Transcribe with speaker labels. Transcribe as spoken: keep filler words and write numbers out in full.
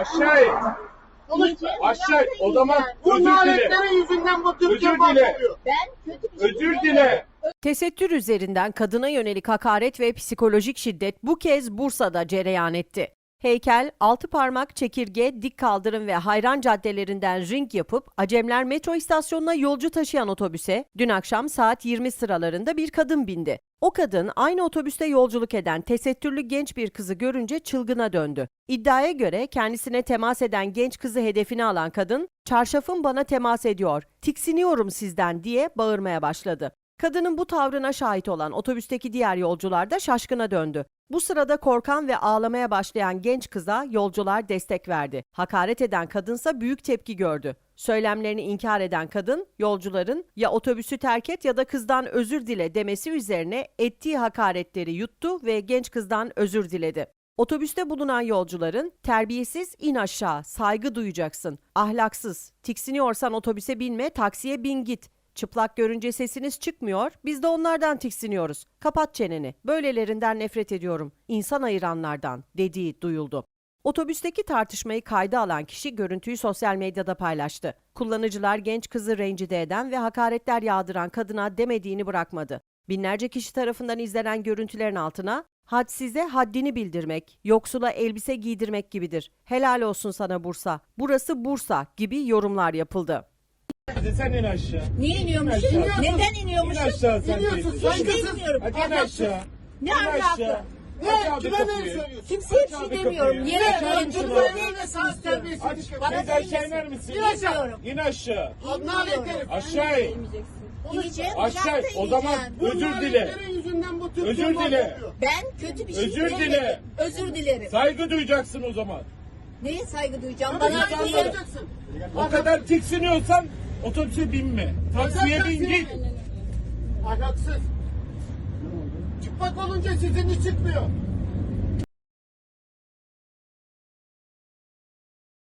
Speaker 1: Aşağı in. Aşağı in. O zaman
Speaker 2: Bu
Speaker 1: özür dile.
Speaker 2: naletlerin yüzünden bu Türkiye
Speaker 1: Özür dile.
Speaker 2: mahvoluyor.
Speaker 3: Ben kötü bir şey
Speaker 1: Özür dile.
Speaker 4: Tesettür üzerinden kadına yönelik hakaret ve psikolojik şiddet bu kez Bursa'da cereyan etti. Heykel, altı parmak, çekirge, dik kaldırım ve hayran caddelerinden ring yapıp Acemler metro istasyonuna yolcu taşıyan otobüse dün akşam saat yirmi sıralarında bir kadın bindi. O kadın aynı otobüste yolculuk eden tesettürlü genç bir kızı görünce çılgına döndü. İddiaya göre kendisine temas eden genç kızı hedefine alan kadın, "Çarşafım bana temas ediyor, tiksiniyorum sizden" diye bağırmaya başladı. Kadının bu tavrına şahit olan otobüsteki diğer yolcular da şaşkına döndü. Bu sırada korkan ve ağlamaya başlayan genç kıza yolcular destek verdi. Hakaret eden kadınsa büyük tepki gördü. Söylemlerini inkar eden kadın, yolcuların "ya otobüsü terk et ya da kızdan özür dile" demesi üzerine ettiği hakaretleri yuttu ve genç kızdan özür diledi. Otobüste bulunan yolcuların "terbiyesiz, in aşağı, saygı duyacaksın, ahlaksız, tiksiniyorsan otobüse binme, taksiye bin git. Çıplak görünce sesiniz çıkmıyor, biz de onlardan tiksiniyoruz. Kapat çeneni, böylelerinden nefret ediyorum, insan ayıranlardan" dediği duyuldu. Otobüsteki tartışmayı kayda alan kişi görüntüyü sosyal medyada paylaştı. Kullanıcılar genç kızı rencide eden ve hakaretler yağdıran kadına demediğini bırakmadı. Binlerce kişi tarafından izlenen görüntülerin altına "hadsize haddini bildirmek, yoksula elbise giydirmek gibidir. Helal olsun sana Bursa, burası Bursa" gibi yorumlar yapıldı.
Speaker 1: Hadi sen in aşağı.
Speaker 3: Niye iniyormuşum?
Speaker 1: İn aşağı.
Speaker 3: Neden
Speaker 1: İn
Speaker 3: iniyormuşum?
Speaker 1: aşağı sen
Speaker 2: İniyorsun,
Speaker 1: teyze.
Speaker 2: sen
Speaker 3: İşte
Speaker 2: kızım.
Speaker 3: inmiyorum.
Speaker 1: Hadi in aşağı.
Speaker 3: Ne
Speaker 1: İn
Speaker 3: ahlakı?
Speaker 1: aşağı.
Speaker 2: Ne?
Speaker 1: Aç abi
Speaker 2: Kime ne
Speaker 1: kapıyı.
Speaker 2: söylüyorsun?
Speaker 3: Kimseye bir
Speaker 1: Aç
Speaker 3: şey
Speaker 1: abi
Speaker 3: demiyorum.
Speaker 1: kapıyı.
Speaker 3: Yere
Speaker 1: Aç abi
Speaker 3: koyun
Speaker 1: kapıyı.
Speaker 3: şunu.
Speaker 2: Sen terbiyesiz
Speaker 1: Aç.
Speaker 2: bir şey.
Speaker 3: Bana
Speaker 1: Teyze aşağı
Speaker 3: söyleyeceksin.
Speaker 1: iner misin?
Speaker 3: İnmiyorum.
Speaker 1: İn aşağı.
Speaker 2: Nalet herif.
Speaker 1: Aşağı in.
Speaker 3: İneceğim.
Speaker 1: Aşağı in.
Speaker 3: uzakta
Speaker 1: O zaman
Speaker 3: ineceğim.
Speaker 2: Bu
Speaker 1: özür dile.
Speaker 2: naletlerin yüzünden bu Türkiye
Speaker 1: Özür dile.
Speaker 2: mahvoluyor.
Speaker 3: Ben kötü bir şey
Speaker 1: Özür
Speaker 3: demedim.
Speaker 1: dile.
Speaker 3: Özür dilerim.
Speaker 1: Saygı duyacaksın o zaman.
Speaker 3: Neye saygı duyacağım?
Speaker 2: Bana
Speaker 3: Bana
Speaker 2: sen
Speaker 3: niye?
Speaker 2: soracaksın.
Speaker 1: O kadar tiksiniyorsan otobüse binme. Taksiye bin git.
Speaker 2: Ahlaksız. Çıplak olunca sizin iş çıkmıyor.